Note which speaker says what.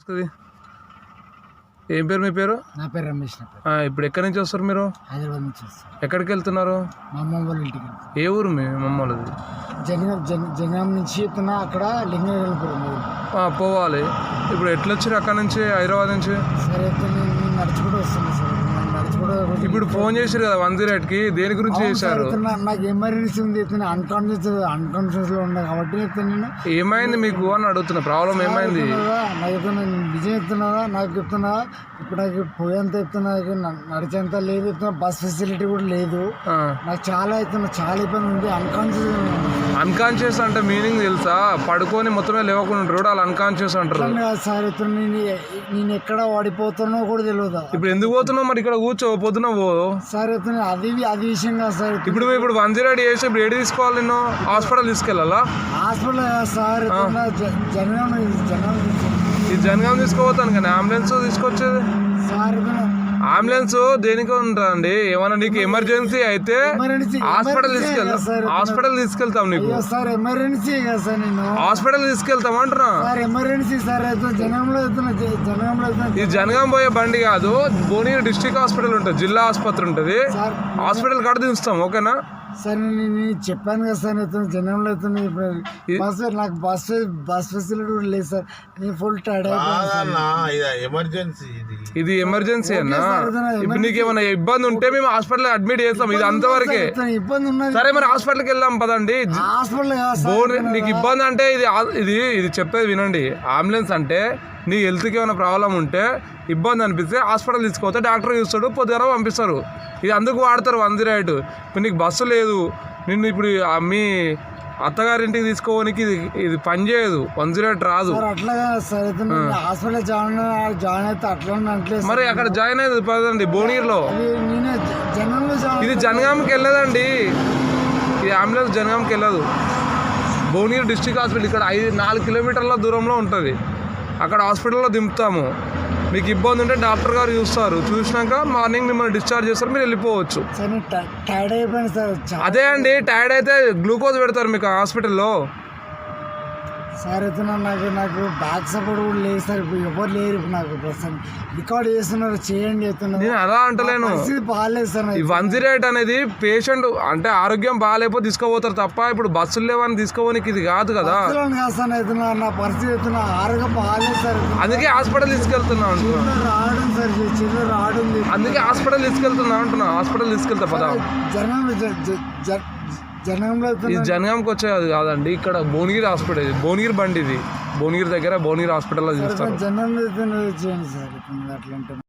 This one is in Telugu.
Speaker 1: ఏం పేరు మీ పేరు?
Speaker 2: నా పేరు రమేష్.
Speaker 1: ఇప్పుడు ఎక్కడి నుంచి వస్తారు మీరు?
Speaker 2: హైదరాబాద్ నుంచి వస్తారు.
Speaker 1: ఎక్కడికి వెళ్తున్నారు?
Speaker 2: మా అమ్మ వాళ్ళ ఇంటికి.
Speaker 1: ఏ ఊరు మీ అమ్మ వాళ్ళది?
Speaker 2: జనగాం నుంచి వెళ్తున్నా, అక్కడ లింగపురం
Speaker 1: పోవాలి. ఇప్పుడు ఎట్లా వచ్చారు అక్కడ నుంచి, హైదరాబాద్ నుంచి?
Speaker 2: సరే నేను నడుచుకుంటూ వస్తాను సార్.
Speaker 1: ఇప్పుడు ఫోన్ చేశారు కదా 108కి, దేని గురించి చేశారు?
Speaker 2: నాకు ఎమర్జెన్సీ ఉంది, అన్కాన్షియస్ లో ఉన్నా కాబట్టి నేను
Speaker 1: ఏమైంది మీకు అని అడుగుతున్నా. ప్రాబ్లం ఏమైంది?
Speaker 2: నాకు నిజం చెప్తున్నారా? నాకు చెప్తున్నా, ఇప్పుడు నాకు పోయేంత చెప్తున్నా, నడిచేంత లేదు, బస్ ఫెసిలిటీ కూడా లేదు. నాకు చాలా ఇబ్బంది ఉంది.
Speaker 1: అన్కాన్షియస్ అంటే మీనింగ్ తెలుసా? పడుకొని మొత్తమే లేవకుండా ఉంటారు, వాళ్ళు అన్కాన్షియస్ అంటారు.
Speaker 2: సార్ నేను ఎక్కడ వాడిపోతున్నా కూడా తెలియదు.
Speaker 1: ఇప్పుడు ఎందుకు పోతున్నావు మరి? ఇక్కడ కూర్చో, పొద్దున పో
Speaker 2: సార్. అది విషయం కాదు సార్.
Speaker 1: ఇప్పుడు 108 చేసి ఇప్పుడు ఏడు తీసుకోవాలి? నేను హాస్పిటల్ తీసుకెళ్ళాలా?
Speaker 2: హాస్పిటల్ సార్,
Speaker 1: ఈ జనగాం తీసుకోపోతాను కానీ అంబులెన్స్ తీసుకొచ్చేది
Speaker 2: సార్.
Speaker 1: అంబులెన్స్ దేనికి ఉంటుందండి? ఏమన్నా నీకు ఎమర్జెన్సీ అయితే హాస్పిటల్ తీసుకెళ్తాం. నీకు
Speaker 2: ఎమర్జెన్సీ కదా సార్, నేను
Speaker 1: హాస్పిటల్ తీసుకెళ్తాం అంటున్నా.
Speaker 2: Emergency sir. జనంలో
Speaker 1: ఇది జనగాం పోయే బండి కాదు, భువనగిరి డిస్ట్రిక్ట్ హాస్పిటల్ ఉంటుంది, జిల్లా ఆసుపత్రి ఉంటుంది. హాస్పిటల్ కాడ దించుతాం, ఓకేనా?
Speaker 2: సార్ నేను చెప్పాను కదా సార్, జనంలో నాకు బస్ ఫెసిలిటీ కూడా లేదు సార్. నేను ఫుల్ టైర్డ్
Speaker 1: ఇది ఎమర్జెన్సీ అన్నా. ఇప్పుడు నీకు ఏమైనా ఇబ్బంది ఉంటే మేము హాస్పిటల్ అడ్మిట్ చేస్తాం. ఇది అంతవరకే.
Speaker 2: ఇబ్బంది ఉన్నది.
Speaker 1: సరే మరి హాస్పిటల్కి వెళ్దాం పదండి. నీకు ఇబ్బంది అంటే ఇది చెప్పేది వినండి. అంబులెన్స్ అంటే నీ హెల్త్కి ఏమైనా ప్రాబ్లం ఉంటే, ఇబ్బంది అనిపిస్తే హాస్పిటల్ తీసుకోతే డాక్టర్ చూస్తాడు, పొద్దున పంపిస్తారు. ఇది అందుకు వాడతారు 108. ఇప్పుడు నీకు బస్సు లేదు, నిన్ను ఇప్పుడు మీ అత్తగారింటికి తీసుకోవడానికి ఇది పని చేయదు, 108 రాదు. మరి అక్కడ జాయిన్ అయ్యేది పదండి భువనగిరిలో. ఇది జనగాంకి వెళ్ళదండి, ఈ అంబులెన్స్ జనగాంకి వెళ్ళదు. భువనగిరి డిస్ట్రిక్ట్ హాస్పిటల్ ఇక్కడ 4 కిలోమీటర్ల దూరంలో ఉంటుంది. అక్కడ హాస్పిటల్లో దింపుతాము. మీకు ఇబ్బంది ఉంటే డాక్టర్ గారు చూస్తారు, చూసినాక మార్నింగ్ మిమ్మల్ని డిశ్చార్జ్ చేస్తారు, మీరు వెళ్ళిపోవచ్చు. అదే అండి, టైర్డ్ అయితే గ్లూకోజ్ పెడతారు మీకు హాస్పిటల్లో.
Speaker 2: సార్ అయితే నాకు బ్యాక్ సపోర్ట్ కూడా లేదు సార్. ఇప్పుడు ఎవరు లేరు. ఇప్పుడు నాకు రికార్డ్ చేస్తున్నారు, చేయండి చెప్తున్నారు.
Speaker 1: నేను అలా అంటలేను,
Speaker 2: బాగాలేదు సార్.
Speaker 1: ఈ 108 అనేది పేషెంట్ అంటే ఆరోగ్యం బాగాలేకపోతే తీసుకోపోతారు తప్ప, ఇప్పుడు బస్సులు లేవని తీసుకోవడానికి ఇది కాదు కదా.
Speaker 2: నా పరిస్థితి ఆరోగ్యం బాగాలేదు సార్.
Speaker 1: అందుకే హాస్పిటల్ తీసుకెళ్తున్నాను.
Speaker 2: రావడం సార్, చిన్న రావడం,
Speaker 1: అందుకే హాస్పిటల్ తీసుకెళ్తున్నా అంటున్నా. హాస్పిటల్ తీసుకెళ్తా పదా. ఇది జనగాంకి వచ్చేది కాదండి, ఇక్కడ భువనగిరి హాస్పిటల్. భువనగిరి బండి ఇది, భువనగిరి దగ్గర భువనగిరి హాస్పిటల్లో చూస్తారు.
Speaker 2: జనం చేయండి సార్. అట్లా